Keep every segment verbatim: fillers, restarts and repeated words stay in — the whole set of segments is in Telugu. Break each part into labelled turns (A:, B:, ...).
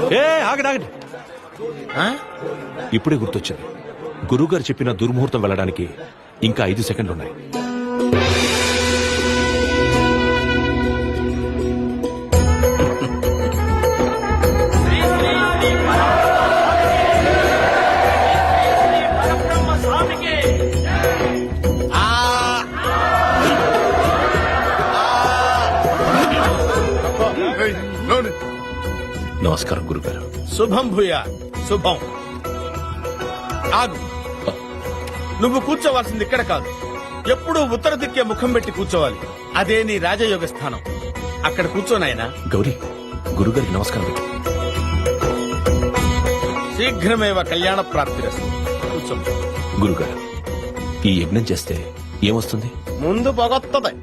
A: ఏ ఆగండి ఆగండి ఇప్పుడే గుర్తొచ్చింది. గురువుగారు చెప్పిన దుర్ముహూర్తం వెళ్ళడానికి ఇంకా ఐదు సెకండ్లు ఉన్నాయి. నమస్కారం గురుగారు.
B: శుభం భూయా శుభం. ఆగు, నువ్వు కూర్చోవాల్సింది ఇక్కడ కాదు, ఎప్పుడూ ఉత్తర దిక్కే ముఖం పెట్టి కూర్చోవాలి. అదే నీ రాజయోగ స్థానం. అక్కడ కూర్చోనాయనా.
A: గౌరీ, గురుగారికి నమస్కారం పెట్టు.
B: శీఘ్రమేవ కళ్యాణ ప్రాప్తిరస్తు. కూర్చో.
A: గురుగారు, ఈ యజ్ఞం చేస్తే ఏమొస్తుంది?
B: ముందు పొగొత్తది.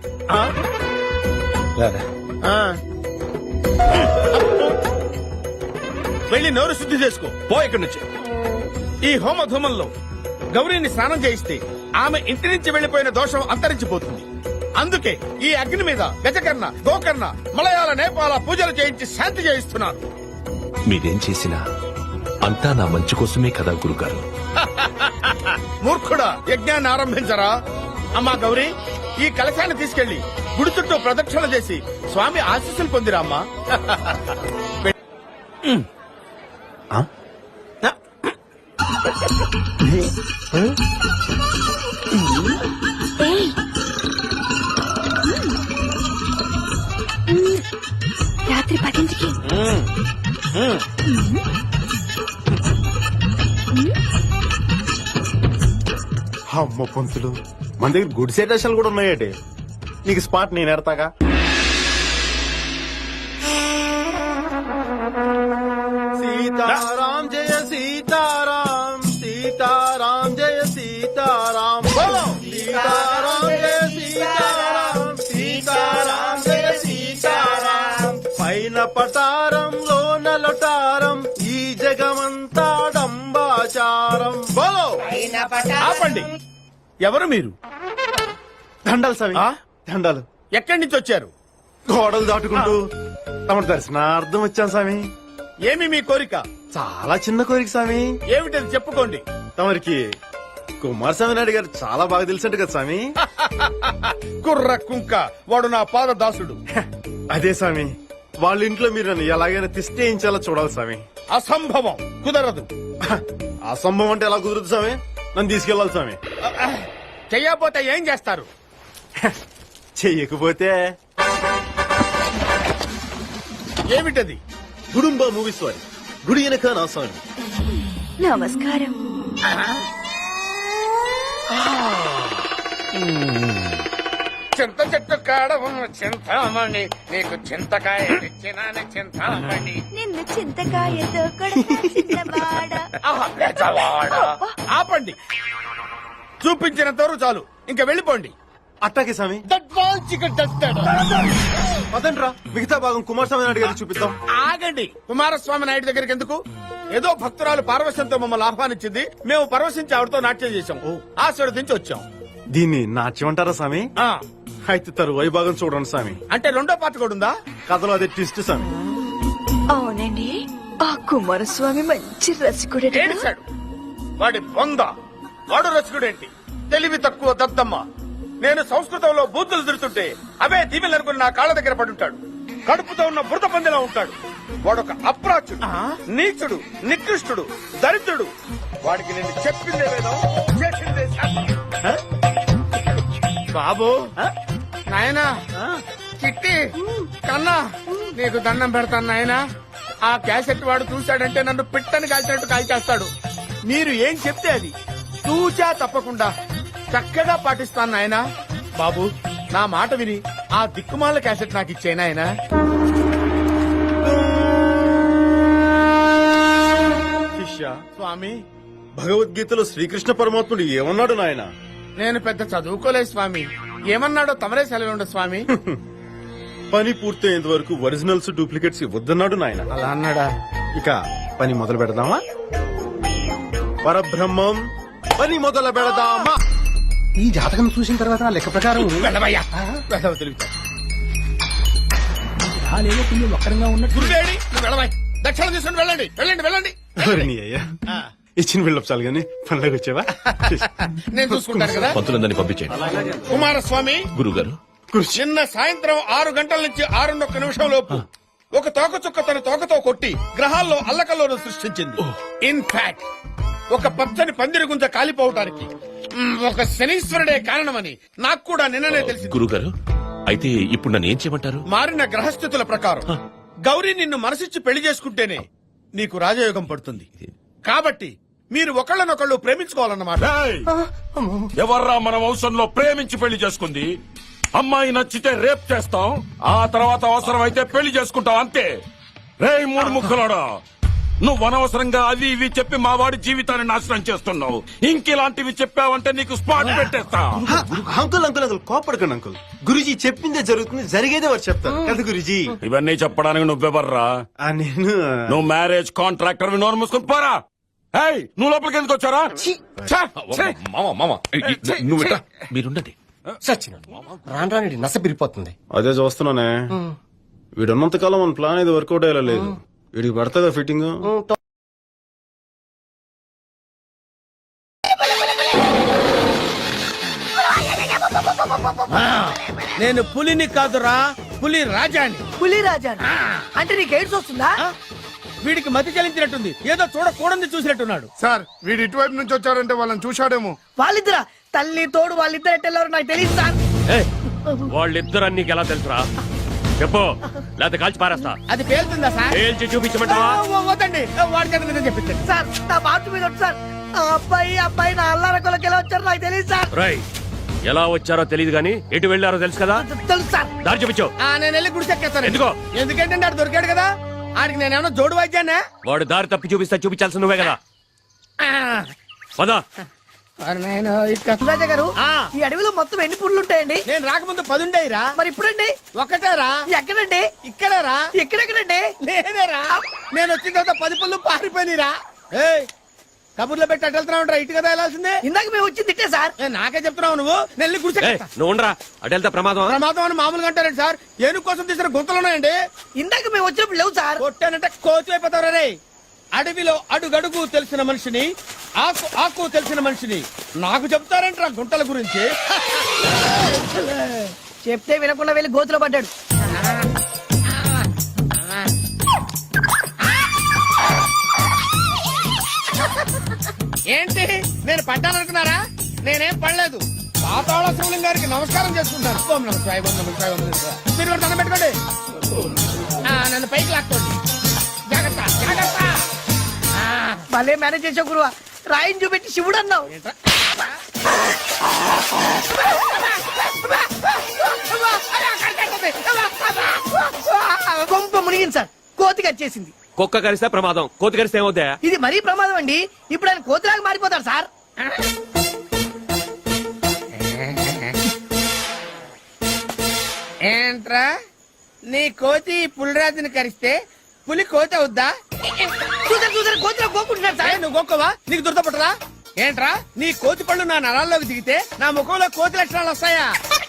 B: వెళ్ళి నోరు శుద్ధి చేసుకో.
A: పో ఇక్కడి నుంచి.
B: ఈ హోమధూమంలో గౌరీని స్నానం చేయిస్తే ఆమె ఇంటి నుంచి వెళ్లిపోయిన దోషం అంతరించిపోతుంది. అందుకే ఈ అగ్ని మీద గజకర్ణ, గోకర్ణ, మలయాళ, నేపాల పూజలు చేయించి శాంతి చేయిస్తున్నారు.
A: మీరేం చేసినా అంతా నా మంచి కోసమే కదా గురుగారు.
B: మూర్ఖుడా, యజ్ఞాన్ని ఆరంభించరా. అమ్మా గౌరీ, ఈ కలశాన్ని తీసుకెళ్లి గుడి చుట్టూ ప్రదక్షిణ చేసి స్వామి ఆశీస్సులు పొందిరామ్మా.
C: రాత్రి పదింటికి
D: అమ్మ పంతులు, మన దగ్గర గుడి సెటేషన్లు కూడా ఉన్నాయటే. నీకు స్పాట్ నేను ఎడతాగా. సీతారాం జయ సీతారాం, సీతారాం జయ సీతారాం, సీతారాం జయ సీతారాం, సీతారాం జయ సీతారాం. పైన పటారంలో నలటారం, ఈ జగమంతా డంబాచారం. బోలో.
B: ఆపండి. ఎవరు మీరు?
D: దండాలు స్వామి,
B: ఆ?
D: దండాలు.
B: ఎక్కడి నుంచి వచ్చారు?
D: గోడలు దాటుకుంటూ తమ దర్శనార్థం వచ్చాను స్వామి.
B: ఏమి మీ కోరిక?
D: చాలా చిన్న కోరిక స్వామి.
B: ఏమిటది చెప్పుకోండి.
D: తమరికి కుమారస్వామి నాయుడు గారు చాలా బాగా తెలిసినట్టు కదా స్వామి.
B: కుర్ర కుంక, వాడు నా పాద దాసుడు.
D: అదే స్వామి, వాళ్ళ ఇంట్లో మీరు నన్ను ఎలాగైనా తిష్టేయించాలో చూడాలి స్వామి.
B: అసంభవం, కుదరదు.
D: అసంభవం అంటే ఎలా కుదురుతుంది స్వామి? నన్ను తీసుకెళ్లాలి స్వామి.
B: చెయ్యకపోతే ఏం చేస్తారు?
D: చెయ్యకపోతే
B: ఏమిటది?
D: గుడుంబ మూవీ స్వామి, గుడి వెనక నా స్వామి.
C: నమస్కారం.
B: చింత చెట్టు కాడ ఉన్న చింతామణి, నీకు చింతకాయ తెచ్చినాను చింతామణి.
C: నిన్ను చింతకాయతో కొడతా.
B: ఆహా, పెద్దవాడా. ఆపండి. చూపించినంతవరకు చాలు, ఇంకా వెళ్ళిపోండి.
D: అట్టాకే స్వామి. పదండ్రా, మిగతా భాగం కుమారస్వామి నాయుడు గారికి చూపిద్దాం.
B: ఆగండి. కుమారస్వామి నాయుడు దగ్గరికి ఎందుకు? ఏదో భక్తురాలు పార్వశంతో మమ్మల్ని ఆహ్వానించింది, మేము పరవశించి ఆవిడతో నాట్యం చేశాం, ఆశీర్వదించి వచ్చాం.
D: దీన్ని నాట్యం అంటారా స్వామి?
B: ఆ,
D: అయితే తరువాయి భాగం చూడండి స్వామి.
B: అంటే రెండో పాట కూడా ఉందా?
D: కథలో అదే ట్విస్ట్ స్వామి.
C: అవునండి, ఆ కుమారస్వామి మంచి రసికుడే.
B: ఏడిశాడు వాడి బొంద. వాడు రసికుడేంటి? తెలివి తక్కువ దద్దమ్మ. నేను సంస్కృతంలో బూతులు తిడుతుంటే అవే దీవెలనుకుని నా కాళ్ళ దగ్గర పడుంటాడు. కడుపుతో ఉన్న బురద పందిలా ఉంటాడు. వాడొక అప్రాచుడు, నీచుడు, నికృష్టుడు, దరిద్రుడు. వాడికి నేను చెప్పిందే వేదం, చేసిందే శాస్త్రం. బాబు, నాయనా, చిట్టి, కన్నా, నీకు దండం పెడతాను నాయనా. ఆ క్యాసెట్ వాడు చూశాడంటే నన్ను పిట్టని కాల్చినట్టు కాల్చేస్తాడు. మీరు ఏం చెప్తే అది తూచా తప్పకుండా చక్కగా పాటిస్తాను నాయనా. బాబు, నా మాట విని ఆ దిక్కుమాల క్యాసెట్ నాకు ఇచ్చే నాయనా.
D: శిష్య,
B: స్వామి,
D: భగవద్గీతలో శ్రీకృష్ణ పరమాత్ముడు ఏమన్నాడు నాయన?
B: నేను పెద్ద చదువుకోలేదు స్వామి. ఏమన్నాడో తమరే సెలవుండ స్వామి.
D: పని పూర్తయ్యేంత వరకు ఒరిజినల్స్ డూప్లికేట్స్ ఇవ్వద్దన్నాడు నాయన.
B: అలా అన్నాడా?
D: ఇక పని మొదలు పెడదామా? పరబ్రహ్మం, పని మొదలు పెడదామా?
E: ఈ జాతకం చూసిన తర్వాత నా లెక్క ప్రకారం
B: వెళ్ళవయ్యా, వెళ్ళవ తెలుగుతా.
E: కొంచెం ఒక్కరంగా ఉన్నట్టు.
B: గురువేడి, నువ్వు వెళ్ళవాయి. లక్షలు తీసుకుని వెళ్ళండి వెళ్ళండి వెళ్ళండి
D: ఎవరు నీ అయ్యా ఇచ్చిన బిల్డప్ చాలు కానీ పనిలోకి వచ్చావా
B: నేను చూసుకుంటాను కదా.
A: పంతులందరినీ పంపించేయండి.
B: కుమారస్వామి
A: గురుగారు
B: నిన్న సాయంత్రం ఆరు గంటల నుంచి ఆరున్నొక్క నిమిషం లోపు ఒక తోకచుక్క తన తోకతో కొట్టి గ్రహాల్లో అల్లకల్లోను సృష్టించింది. ఇన్ఫాక్ట్ ఒక పచ్చని పందిరి గుంజ కాలిపోవటానికి మ్, ఒక శనీశ్వరుడే కారణమని నాకు కూడా నిన్ననే తెలిసింది.
A: గురుగారు అయితే ఇప్పుడు నన్ను ఏం చేయమంటారు?
B: మారిన గ్రహస్థితుల ప్రకారం గౌరీ నిన్ను మనసిచ్చి పెళ్లి చేసుకుంటేనే నీకు రాజయోగం పడుతుంది. కాబట్టి మీరు ఒకళ్ళనొకళ్ళు ప్రేమించుకోవాలన్నమాట.
F: ఎవర్రా మన వంశంలో ప్రేమించి పెళ్లి చేసుకుంది? అమ్మాయి నచ్చితే రేప్ చేస్తాం, ఆ తర్వాత అవసరం అయితే పెళ్లి చేసుకుంటాం అంతే. రేయ్ మూడు ముక్కలోడా, నువ్వు అనవసరంగా అవి ఇవి చెప్పి మా వాడి జీవితాన్ని నాశనం చేస్తున్నావు. ఇంకిలాంటివి చెప్పావంటే నీకు స్పాట్ పెట్టేస్తా.
D: అంకుల్ అంకుల్ అంకుల్ కోపడకండి అంకుల్. గురుజీ చెప్పిందే జరుగుతుంది, జరిగేదే వారు చెప్తారు కదా గురుజీ.
F: ఇవన్నీ చెప్పడానికి నువ్వెవర్రా?
D: ఆ, నేను
F: నువ్వు మ్యారేజ్ కాంట్రాక్టర్ నోరు మూసుకుని పోరా. ఏయ్, నువ్వు లోపలికి ఎందుకు వచ్చారా? ఛే, ఛే.
A: మామ మామ నువ్వు ఇట్లా మీరుండండి.
E: సచిన రాను రాని నస పిరిపోతుంది.
D: అదే చూస్తున్నానే, వీడున్నంత కాలం మన ప్లాన్ ఇది వర్కౌట్ అయ్యేలా లేదు. వీడికి పడుతుందా ఫిట్టింగ్?
B: నేను పులిని కాదురా, పులి రాజాని.
G: పులి రాజా అంటే నీకు ఎయిడ్స్ వస్తుందా?
B: వీడికి మతి చలించినట్టుంది, ఏదో చూడకూడదు చూసినట్టున్నాడు.
H: సార్ వీడు ఇటువైపు నుంచి వచ్చారంటే వాళ్ళని చూశాడేమో.
G: వాళ్ళిద్దరా తల్లి తోడు వాళ్ళిద్దరు ఎట్టెళ్ళారు నాకు తెలియదు సార్.
I: వాళ్ళిద్దరు నీకు ఎలా తెలుసురా? చెప్పు, లేకపోతే కాల్చి పారేస్తా.
B: అది పేలుతుందా సార్?
I: పేల్చి చూపించమంటావా?
B: వద్దండి, వాడి చేత నిజం చెప్పించండి.
G: సార్ నా బాటు మీద వచ్చి సార్ ఆ అబ్బాయి ఆ అబ్బాయి నా అల్లార కొలకి ఎలా వచ్చారు నాకు తెలియదు సార్.
I: రై, ఎలా వచ్చారో తెలియదు గానీ ఎటు వెళ్ళారో తెలుసు కదా?
G: తెలుసు సార్.
I: దారి చూపించు.
B: ఆ, నేను వెళ్ళి గుడిసెక్కేస్తాను.
I: ఎందుకో?
B: ఎందుకంటే ఆడు దొరికాడు కదా, ఆడికి నేనేమన్నా జోడు వాయిద్యానా?
I: వాడు దారి తప్పి చూపిస్తా, చూపించాల్సి నువ్వే కదా. పదా.
G: రాజా గారు
B: ఆ.
G: ఈ అడవిలో మొత్తం ఎన్ని పుళ్ళు ఉంటాయండి?
B: నేను రాకముందు పదుండేరా.
G: మరి ఇప్పుడండి
B: ఒక్కటేరా.
G: ఎక్కడండి?
B: ఇక్కడేరా.
G: ఎక్కడెక్కడండి?
B: లేదేరా, నేను వచ్చిన తర్వాత పది పళ్ళు పారిపోయినరా. ఏయ్, కబుర్లో పెట్టి అటు వెళ్తున్నావు ఇటు కదా వెళ్ళాల్సిందే.
G: ఇందాక మేము వచ్చి తిట్టే సార్.
B: ఏ, నాకే చెప్తున్నావు నువ్వు. నెల్లి
I: ఏయ్,
B: గుడిసెక్కేస్తా.
I: నువ్వు ఉండరా, అటు వెళ్తే ప్రమాదం.
B: ప్రమాదం అని మామూలుగా అంటారండి సార్. ఏనుగు కోసం తీసిన గుంతలు ఉన్నాయండి.
G: ఇందాక మేము వచ్చినప్పుడు లేవు సార్.
B: కొట్టానంటే కోతి అయిపోతావు రే. అడవిలో అడుగడుగు తెలిసిన మనిషిని, ఆకు ఆకు తెలిసిన మనిషిని నాకు చెప్తారంటారా గుంటల గురించి?
G: చెప్తే వినకుండా వెళ్ళి గోతులో పడ్డాడు.
B: ఏంటి నేను పడ్డాననుకున్నారా? నేనేం పడలేదు. పాతాళ శివలింగ గారికి నమస్కారం చేసుకుంటాను. ఓం నమః శివాయ, ఓం నమః శివాయ, ఓం నమః శివాయ. మీరు కూడా దండం పెట్టుకోండి. ఆ, నన్ను పైకి లాక్కోండి. జాగ్రత్త జాగ్రత్త. ఆ,
G: భలే మేనేజ్ చేసావు గురువా. రాయిని చూపెట్టి శివుడు అన్నావు.
B: ఏంట్రా?
G: కొంప మునిగింది సార్. కోతికి వచ్చేసింది.
I: కుక్క కరిస్తే ప్రమాదం, కోతి కరిస్తే ఏమవుతా?
G: ఇది మరీ ప్రమాదం అండి. ఇప్పుడు ఆయన కోతిలాగా మారిపోతాడు సార్.
B: ఏంట్రా, నీ కోతి పులిరాజుని కరిస్తే పులి కోతి అవుద్దా?
G: చూసారు చూసారు కోతిలో కోకుంటున్నాడు
B: ఏ,
G: సార్.
B: నువ్వు గోక్కవా? నీకు దురదపట్టరా? ఏంట్రా, నీ కోతి పళ్ళు నా నరాల్లోకి దిగితే నా ముఖంలో కోతి లక్షణాలు వస్తాయా?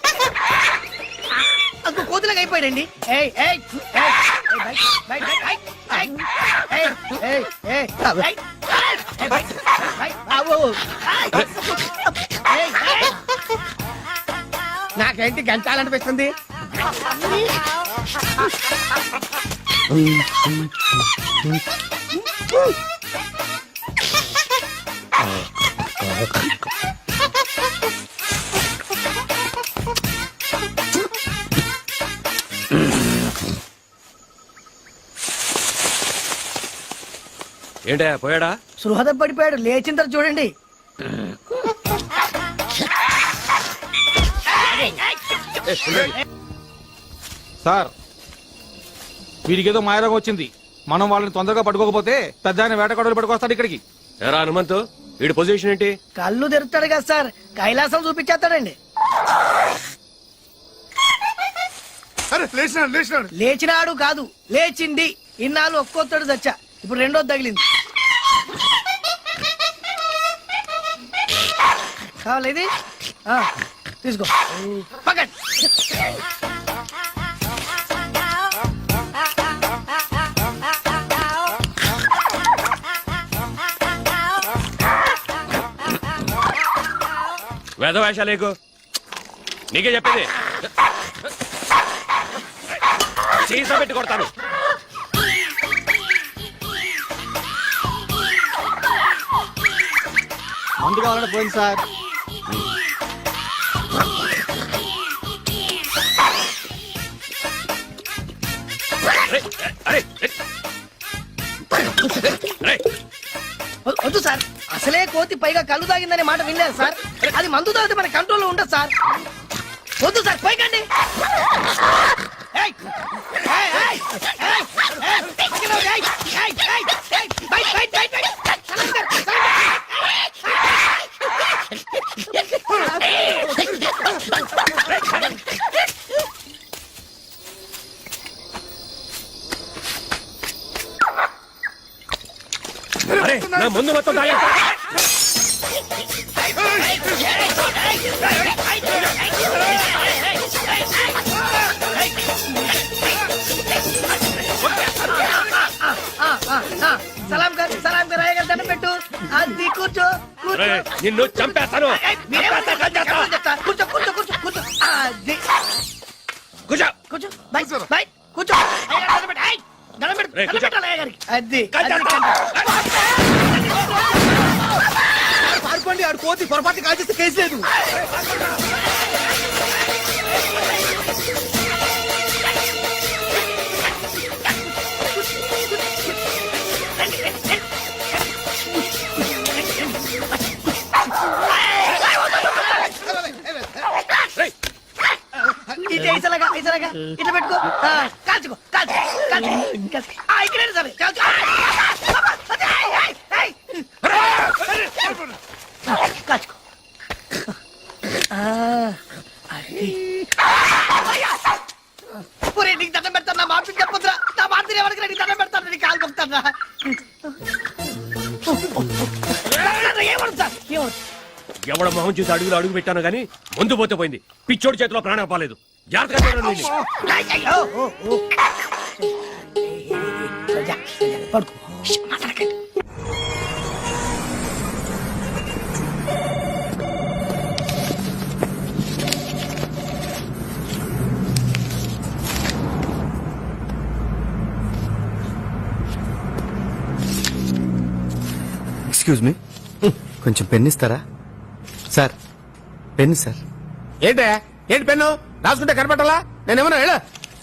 G: అంత కోతిలాగా అయిపోయాడండి. ఏయ్, ఏయ్, ఏయ్, ఏయ్, బయట, బయట, బయట, ఏయ్, ఏయ్, ఏయ్, ఏయ్, ఏయ్, ఏయ్, బయట, బయట, ఆవు, ఏయ్, ఏయ్.
B: నాకేంటి గంచాలనిపిస్తుంది?
I: ఏంటే పోయాడా?
G: సృహద పడిపోయాడు. లేచిన తర్వాత చూడండి.
J: సార్ వీడికి ఏదో మాయరోగం వచ్చింది. మనం వాళ్ళని తొందరగా పట్టుకోకపోతే పెద్ద ఆయన వేటగాడులు పట్టుకొస్తాడు ఇక్కడికి.
I: ఎరా హనుమంతు, వీడి పొజిషన్ ఏంటి?
G: కళ్ళు తెరుతాడు కదా సార్, కైలాసం చూపించేస్తాడండి.
H: అరే లేచినాడు లేచినాడు.
G: లేచినాడు కాదు, లేచింది. ఇన్నాళ్ళు ఒక్కొత్తడు చచ్చా, ఇప్పుడు రెండోది తగిలింది. కావాలి ఇది? ఆ, తీసుకో పక్కన.
I: వేదవేషాలేకు నీకే చెప్పేది సీసా పెట్టి కొడతాను.
E: మందు కావాలంటే పోయింది సార్.
I: అరే, అరే, అరే.
G: వ- వద్దు సార్, అసలే కోతి పైగా కళ్ళు తాగిందనే మాట వినలేదు సార్. అది మందు తాగితే మన కంట్రోల్లో ఉండదు సార్. వద్దు సార్, పైకండి. ఏయ్! ఏయ్, ఏయ్, ఏయ్, ఏయ్, పక్కన వద్దు, ఏయ్, ఏయ్, ఏయ్, ఏయ్, బయట, బయట, బయట, బయట. సలాం సార్, సలాం
I: అరే, నా ముందు మొత్తం తాగేస్తా.
G: ఆ, ఆ, ఆ, సలాం గారు, సలాం గారు, అయ్యగారు దండం పెట్టు. అది కూర్చో, కూర్చో.
I: అరే, నిన్ను చంపేస్తాను.
G: ఏయ్, మీరేమో చెప్తా, చెప్తా. కూర్చో, కూర్చో, కూర్చో, కూర్చో. అది.
I: కూర్చో.
G: కూర్చో, బై, బై, కూర్చో. అయ్యగారు దండం పెట్టు, ఏయ్, దండం పెట్టు,
I: రేయ్,
G: దండం
I: కూర్చో.
G: పెట్టాలి అయ్యగారికి. అది, అది,
I: కట్టేస్తా.
E: పారిపోండి, ఆడు కోతి పొరపాటు కాల్చేస్తే కేసు లేదు.
I: రేయ్,
G: ఇటు ఐసలాగా, ఐసలాగా, ఇటు పెట్టుకో. ఆ, కాల్చుకో, కాల్చుకో, కాల్చుకో, కాల్చుకో. ఆ, ఇక్కడే సరే, కాల్చుకో. అదే, ఏయ్, ఏయ్, ఏయ్. ఆ, కాల్చుకో. ఆ, అది. ఒరేయ్, నీకు దండం పెడతాను, నా మాట చెప్పొద్దురా. నా మాట ఎవరికి నీకు దండం పెడతాను, నీకు కాలు కొడతాను. ఏమడు సార్, ఏమడు?
I: ఎవడ మొహం చూసి అడుగులు అడుగు పెట్టాను గానీ ముందు పోతే పోయింది. పిచ్చోడి చేతిలో ప్రాణం పోలేదు. జాగ్రత్తగా చూడండి వీడిని.
G: అయ్యయ్యో, ఓ, ఓ. సజ్జా, సజ్జా, పడుకో. ష్, మాట్లాడకండి.
E: ఎక్స్క్యూజ్ మీ, కొంచెం పెన్ ఇస్తారా సార్? Pen sir.
B: ఏంటే ఏంటి పెన్ను రాసుకుంటే కనపట్టాలా? నేనేమన్నా ಹೇಳ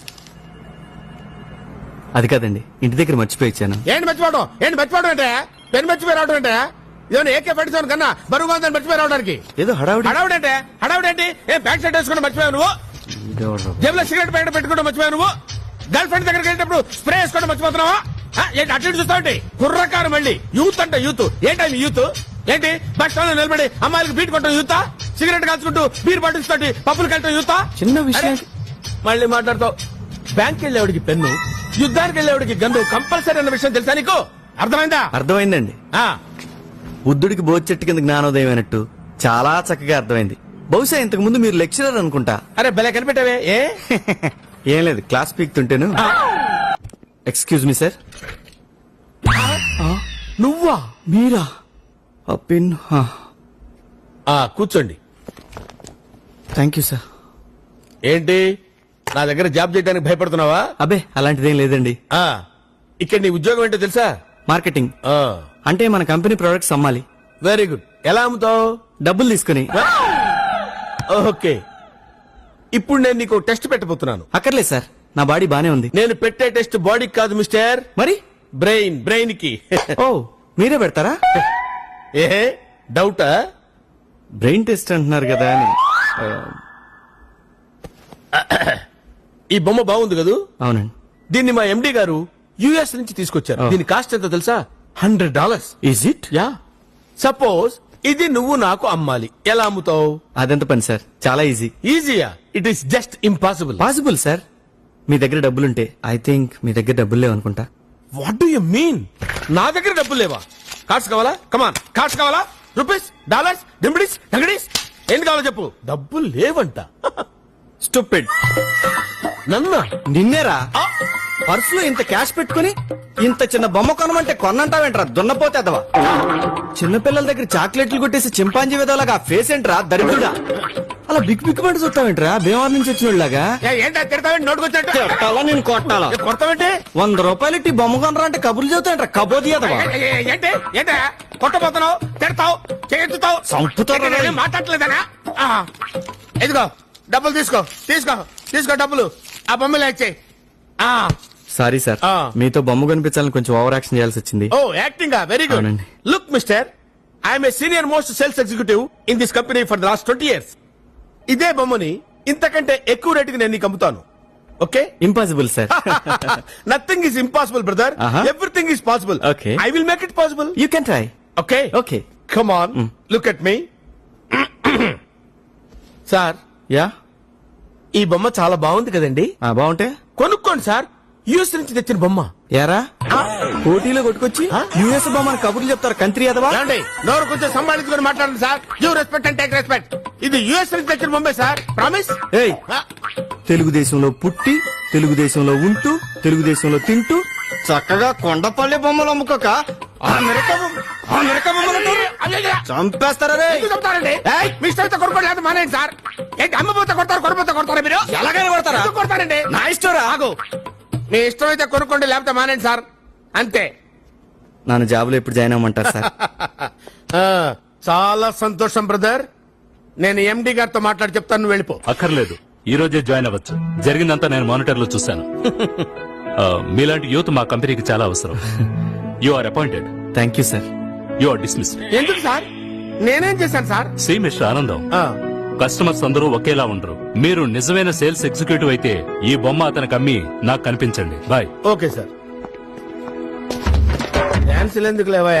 E: అది కాదండి, ఇంటి దగ్గర మర్చిపోయి ఇచ్చాను.
B: ఏంటి మర్చిపోవడం? ఏంటి మర్చిపోవడం అంటే పెన్ మర్చిపోయి రావడం అంటే ఇదేమన్నా ఏకే పట్టించాను కన్నా బరువుగా ఉందని మర్చిపోయి రావడానికి.
E: ఏదో హడావుడి.
B: హడావుడు అంటే హడావుడు ఏంటి? ఏం బ్యాక్ సైడ్ వేసుకుంటే మర్చిపోయావు నువ్వు?
E: ఇదెవడ్రా?
B: జేబులో సిగరెట్ ప్యాకెట్ పెట్టుకుంటే మర్చిపోయావు నువ్వు? గర్ల్ ఫ్రెండ్ దగ్గరికి వెళ్ళేటప్పుడు స్ప్రే వేసుకోవడం మర్చిపోతున్నావా? ఆ, ఏంటి అటు ఇటు చూస్తావు? కుర్రకారు మళ్ళీ యూత్ అంటే యూత్ ఏంటి యూత్? ఏంటి బస్ స్టాండ్ లో నిలబడి అమ్మాయిలకు బీట్ కొట్టడం యూతా? సిగరెట్ కాల్చుకుంటూ బీర్ బాటిల్స్ తోటి పప్పులు కట్టడం యూతా?
E: చిన్న విషయం.
B: అరే, మళ్ళీ మాట్లాడతావు. బ్యాంక్ వెళ్ళేవాడికి పెన్ను, యుద్ధానికి వెళ్ళేవాడికి గన్ను కంపల్సరీ అన్న విషయం తెలుసా నీకు? అర్థమైందా?
E: అర్థమైందండి.
B: ఆ,
E: బుద్ధుడికి బోధి చెట్టు కింద జ్ఞానోదయం అయినట్టు చాలా చక్కగా అర్థమైంది. బహుశా ఇంతకు ముందు మీరు లెక్చరర్ అనుకుంటా.
B: అరే భలే కనిపెట్టావే. ఏ
E: ఏం లేదు, క్లాస్ పీక్తుంటేను. Excuse me sir.
B: నువ్వా?
E: మీరా? ఆ పిన్.
B: ఆ, కూర్చోండి.
E: Thank you sir.
B: ఏంటి నా దగ్గర జాబ్ చేయడానికి భయపడుతున్నావా?
E: అబే అలాంటిదేం లేదండి.
B: ఆ, ఇక్కడ నీ ఉద్యోగం ఏంటో తెలుసా?
E: మార్కెటింగ్.
B: ఆ,
E: అంటే మన కంపెనీ ప్రొడక్ట్స్ అమ్మాలి.
B: Very good. ఎలా అమ్ముతావు?
E: డబ్బులు తీసుకుని.
B: ఓకే, ఇప్పుడు నేను నీకు టెస్ట్ పెట్టబోతున్నాను.
E: అక్కర్లేదు సార్, నా బాడీ బానే ఉంది.
B: నేను పెట్టే టెస్ట్ బాడీకి కాదు మిస్టర్,
E: మరి
B: బ్రెయిన్ బ్రెయిన్ కి.
E: ఓ మీరే పెడతారా?
B: ఏ డౌటా?
E: బ్రెయిన్ టెస్ట్ అంటున్నారు కదా అని. ఆ,
B: ఈ బొమ్మ బాగుంది కదూ?
E: అవునండి.
B: దీన్ని మా ఎండి గారు యుఎస్ నుంచి తీసుకొచ్చారు.
E: Oh.
B: దీని కాస్ట్ ఎంతో తెలుసా? Hundred dollars.
E: Is it?
B: Yeah. Suppose ఇది నువ్వు నాకు అమ్మాలి, ఎలా అమ్ముతావు?
E: అదెంత పని సార్, చాలా ఈజీ.
B: ఈజీయా? It is just impossible.
E: Possible sir. మీ దగ్గర డబ్బులుంటే. ఐ థింక్ మీ దగ్గర డబ్బులు లేవనుకుంటా.
B: What do you mean? నా దగ్గర డబ్బులు లేవా? కార్డ్స్ కావాలా? కమాన్, కార్డ్స్ కావాలా? రూపీస్, డాలర్స్, డింబిడీస్, డంగడీస్, ఏంటి కావాలో చెప్పు. డబ్బులు లేవంట.
E: స్టూపిడ్.
B: నన్నా?
E: నిన్నేరా? పర్సులో ఇంత క్యాష్ పెట్టుకుని ఇంత చిన్న బొమ్మ కొనమంటే కొన్నంటావేంట్రా దున్నపోతే అదవా చిన్నపిల్లల దగ్గర చాక్లెట్లు కొట్టేసి చింపాంజీ విధవలాగా ఆ ఫేస్ ఏంట్రా దరిద్రుడా అలా బిక్ బిక్ మంట చూస్తావేంట్రా భీమవరం నుంచి వచ్చినోళ్ళగా
B: ఏంటో తిడతావేంటి నోటుకొచ్చినట్టు
E: కొట్టాలా నేను కొట్టాలా
B: కొడతావేంటి
E: వంద రూపాయలు ఇట్టి బొమ్మ కొనరా అంటే కబుర్లు చెబుతాయంట్రా కబోది అదవా
B: ఏ- ఏ- ఏంటి ఏంటి కొట్టబోతున్నావు తిడతావు చేతుతావు
E: చంపుతారా రే?
B: మాట్లాడలేదనా ఆ, ఇదిగో డబ్బులు తీసుకో తీసుకో తీసుకో డబ్బులు ఆ బొమ్మలు ఇచ్చేయి
E: సారీ సార్
B: ఆ.
E: మీతో బొమ్మ కనిపించాలని కొంచెం ఓవర్ యాక్షన్ చేయాల్సి వచ్చింది
B: ఓ యాక్టింగ్ వెరీ గుడ్
E: అవునండి.
B: Look mister I'm a senior most sales executive in this company for the last twenty years ఇదే బొమ్మని ఇంతకంటే ఎక్కువ రేటుకి నేను నీకు అమ్ముతాను okay
E: impossible sir
B: nothing is impossible brother
E: Uh-huh.
B: Everything is possible
E: Okay.
B: I will make it possible
E: you can try
B: okay
E: okay
B: come on look at me sir
E: yeah
B: ఈ బొమ్మ చాలా బాగుంది కదండి
E: బాగుంటే
B: కొనుక్కోండి సార్ యూఎస్ నుంచి తెచ్చిన బొమ్మ
E: యారా పోటీలో కొట్టుకొచ్చి యుఎస్ బొమ్మని కబుర్లు చెప్తారు కంట్రీ అదవా
B: ఏమండి నోరు కొంచెం సంభాళించుకొని మాట్లాడండి sir you respect and take respect ఇది యుఎస్ నుంచి తెచ్చిన బొమ్మే సార్ ప్రామిస్
E: ఏయ్ తెలుగుదేశంలో పుట్టి తెలుగుదేశంలో ఉంటూ తెలుగుదేశంలో తింటూ చక్కగా కొండపల్లి బొమ్మలు అమ్ముకోక అమెరికా బొమ్మ- అమెరికా బొమ్మలు అంటారు? చంపేస్తారా రే
B: చెప్తారండి మీ ఇష్టం కొనుక్కోండి లేదా మానేయండి సార్ ఏంటి అమ్మపోతే కొడతారు కొనుపోతే కొడతారా మీరు
E: ఎలాగైనా కొడతారా?
B: ఎందుకు కొడతారండి
E: నా ఇష్టం రా.
B: ఆగు మీ ఇష్టం అయితే కొనుక్కోండి లేకపోతే మానేయండి సార్ అంతే
E: నన్ను జాబులో ఎప్పుడు జాయిన్ అవ్వమంటారు సార్
B: ఆ, చాలా సంతోషం బ్రదర్ నేను ఎండి గారితో మాట్లాడి చెప్తాను నువ్వు వెళ్ళిపో
K: అక్కర్లేదు ఈ రోజే జాయిన్ అవ్వచ్చు జరిగిందంతా నేను మానిటర్ లో చూశాను ఆ, మీలాంటి యూత్ మా కంపెనీకి చాలా అవసరం you are appointed
E: thank you sir
K: you are dismiss
B: ఎందుకు సార్ నేనేం చేశాను సార్
K: సి మిస్టర్ ఆనందం
B: ఆ,
K: కస్టమర్స్ అందరూ ఒకేలా ఉండరు మీరు నిజమైన సేల్స్ ఎగ్జిక్యూటివ్ అయితే ఈ బొమ్మ అతనికి అమ్మి నాకు కనిపించండి బాయ్
B: ఓకే సార్ డాన్స్ ఎందుకు లేవా